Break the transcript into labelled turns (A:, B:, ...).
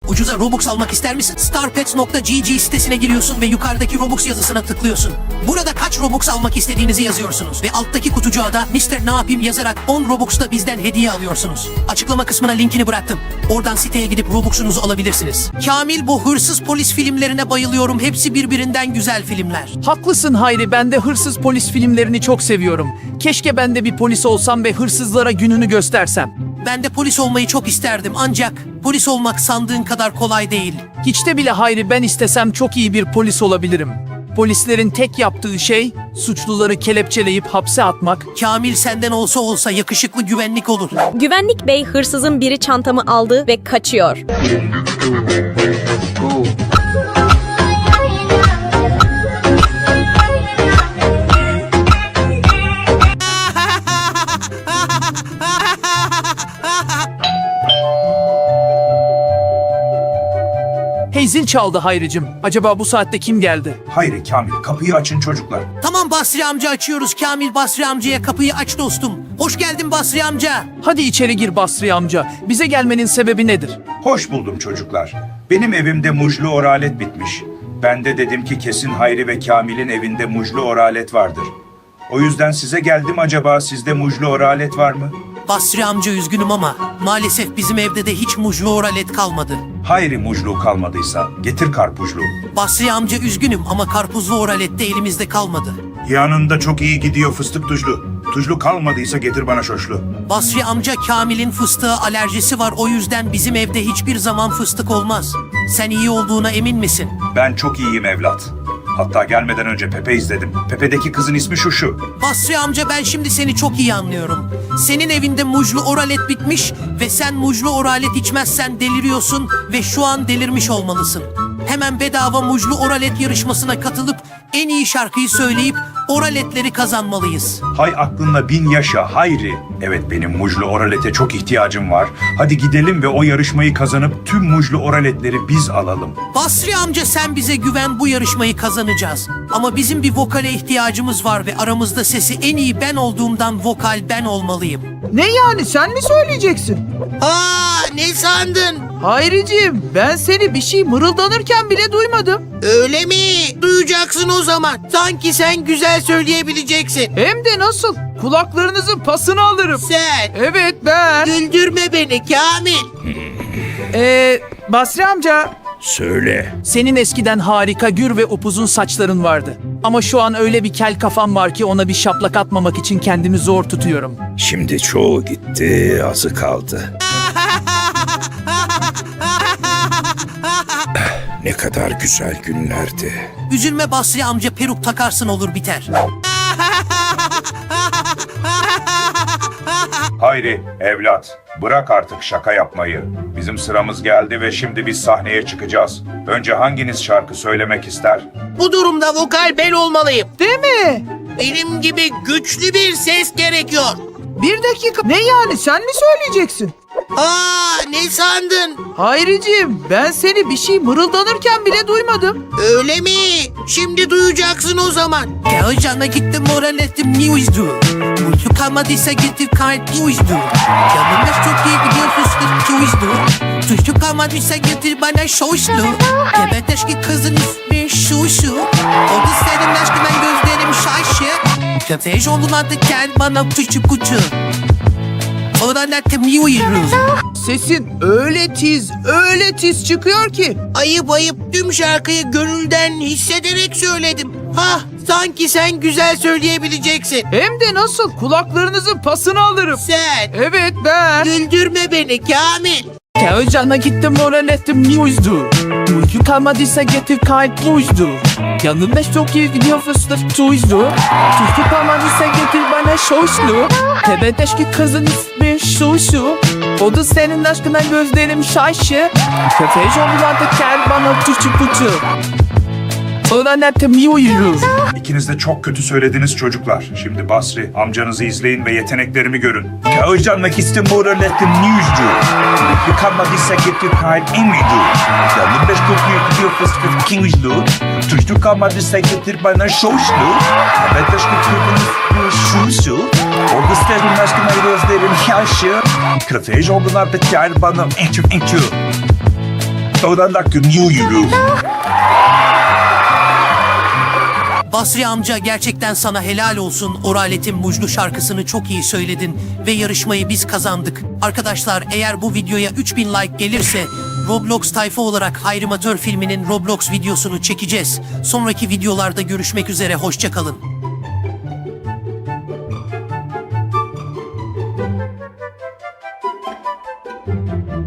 A: Ucuza Robux almak ister misin? Starpets.gg sitesine giriyorsun ve yukarıdaki Robux yazısına tıklıyorsun. Burada kaç Robux almak istediğinizi yazıyorsunuz ve alttaki kutucuğa da Mr. Ne yapayım yazarak 10 Robux da bizden hediye alıyorsunuz. Açıklama kısmına linkini bıraktım. Oradan siteye gidip Robux'unuzu alabilirsiniz. Kamil, bu hırsız polis filmlerine bayılıyorum. Hepsi birbirinden güzel filmler.
B: Haklısın Hayri, ben de hırsız polis filmlerini çok seviyorum. Keşke ben de bir polis olsam ve hırsızlara gününü göstersem.
A: Ben de polis olmayı çok isterdim ancak polis olmak sandığın kadar kolay değil.
B: Hiç de bile Hayri, ben istesem çok iyi bir polis olabilirim. Polislerin tek yaptığı şey suçluları kelepçeleyip hapse atmak.
A: Kamil, senden olsa yakışıklı güvenlik olur.
C: Güvenlik bey, hırsızın biri çantamı aldı ve kaçıyor.
B: Hey, zil çaldı Hayricim. Acaba bu saatte kim geldi?
D: Hayri, Kamil, kapıyı açın çocuklar.
A: Tamam Basri amca, açıyoruz. Kamil, Basri amcaya kapıyı aç dostum. Hoş geldin Basri amca.
B: Hadi içeri gir Basri amca. Bize gelmenin sebebi nedir?
D: Hoş buldum çocuklar. Benim evimde mujlu oralet bitmiş. Ben de dedim ki kesin Hayri ve Kamil'in evinde mujlu oralet vardır. O yüzden size geldim, acaba sizde mujlu oralet var mı?
A: Basri amca, üzgünüm ama maalesef bizim evde de hiç mujlu oralet kalmadı.
D: Hayri, mujlu kalmadıysa getir karpuzlu.
A: Basri amca, üzgünüm ama karpuzlu oralet de elimizde kalmadı.
D: Yanında çok iyi gidiyor fıstık tuzlu. Tuzlu kalmadıysa getir bana şoşlu.
A: Basri amca, Kamil'in fıstığa alerjisi var, o yüzden bizim evde hiçbir zaman fıstık olmaz. Sen iyi olduğuna emin misin?
D: Ben çok iyiyim evlat. Hatta gelmeden önce Pepe izledim. Pepe'deki kızın ismi şu.
A: Basri amca, ben şimdi seni çok iyi anlıyorum. Senin evinde mujlu oralet bitmiş ve sen mujlu oralet içmezsen deliriyorsun ve şu an delirmiş olmalısın. Hemen bedava mujlu oralet yarışmasına katılıp en iyi şarkıyı söyleyip oraletleri kazanmalıyız.
D: Hay aklınla bin yaşa Hayri. Evet, benim mujlu oralete çok ihtiyacım var. Hadi gidelim ve o yarışmayı kazanıp tüm mujlu oraletleri biz alalım.
A: Basri amca, sen bize güven, bu yarışmayı kazanacağız. Ama bizim bir vokale ihtiyacımız var ve aramızda sesi en iyi ben olduğumdan vokal ben olmalıyım.
E: Ne yani, sen mi söyleyeceksin?
A: Aa, ne sandın?
E: Hayricim, ben seni bir şey mırıldanırken bile duymadım.
A: Öyle mi? Duyacaksın o zaman. Sanki sen güzel söyleyebileceksin.
E: Hem de nasıl? Kulaklarınızın pasını alırım.
A: Sen
E: Evet, ben.
A: güldürme beni Kamil.
E: Basri amca.
F: Söyle.
B: Senin eskiden harika gür ve upuzun saçların vardı. Ama şu an öyle bir kel kafam var ki ona bir şaplak atmamak için kendimi zor tutuyorum.
F: Şimdi çoğu gitti, azı kaldı. Ne kadar güzel günlerdi.
A: Üzülme Basri amca, peruk takarsın olur biter.
D: Hayri, evlat, bırak artık şaka yapmayı. Bizim sıramız geldi ve şimdi biz sahneye çıkacağız. Önce hanginiz şarkı söylemek ister?
A: Bu durumda vokal ben olmalıyım.
E: Değil mi?
A: Benim gibi güçlü bir ses gerekiyor.
E: Bir dakika. Ne yani, sen mi söyleyeceksin?
A: Aa, ne sandın?
E: Hayricim, ben seni bir şey mırıldanırken bile duymadım.
A: Öyle mi? Şimdi duyacaksın o zaman. Gel cana gittim oraletim news'du. Mutlu kalmadıysa getir kayıt news'du. Yanımda çok iyi gidiyor fıstık news'du. Tuşlu kalmadıysa getir bana şoşlu. Evet, eski kızın ismi şu. O da senin aşkından gözlerim şaşı. Köfteş oldun artık, gel bana küçük kuçu. Oraletim news'du.
E: Sesin öyle tiz çıkıyor ki.
A: Ayıp, tüm şarkıyı gönülden hissederek söyledim. Hah, sanki sen güzel söyleyebileceksin.
E: Hem de nasıl? Kulaklarınızın pasını alırım.
A: Sen
E: Evet, ben.
A: güldürme beni Kamil.
B: Kağıcana gittim oraletim news'du. Uyku kalmadıysa getir kayıt blues'du. Yanımda çok iyi gidiyor fıstık tuzlu. Tuzlu kalmadıysa getir bana şoşlu. Evet, eski kızın ismi şu. O da senin aşkından gözlerim şaşı. Köfteş oldu artık, gel bana küçük kutu. Oraletim news'du.
D: İkiniz de çok kötü söylediniz çocuklar. Şimdi Basri, amcanızı izleyin ve yeteneklerimi görün. Kağıcanmak istim oraletim news'du. Yıkanmadıysa getir kayıt emiydu. Yanımda çok iyi gidiyor fıstık kings'du. Tuşlu kalmadıysa getir bana şoşlu. Evet, aşkı kırdınız şu. O gösterin aşkına gözlerim yaşı. Köfteş oldular da gel bana ençü. Oralak New
A: Basri amca gerçekten sana helal olsun. Oraletin Mujlu şarkısını çok iyi söyledin ve yarışmayı biz kazandık. Arkadaşlar eğer bu videoya 3000 like gelirse Roblox tayfa olarak Hayrimatör filminin Roblox videosunu çekeceğiz. Sonraki videolarda görüşmek üzere, hoşça kalın.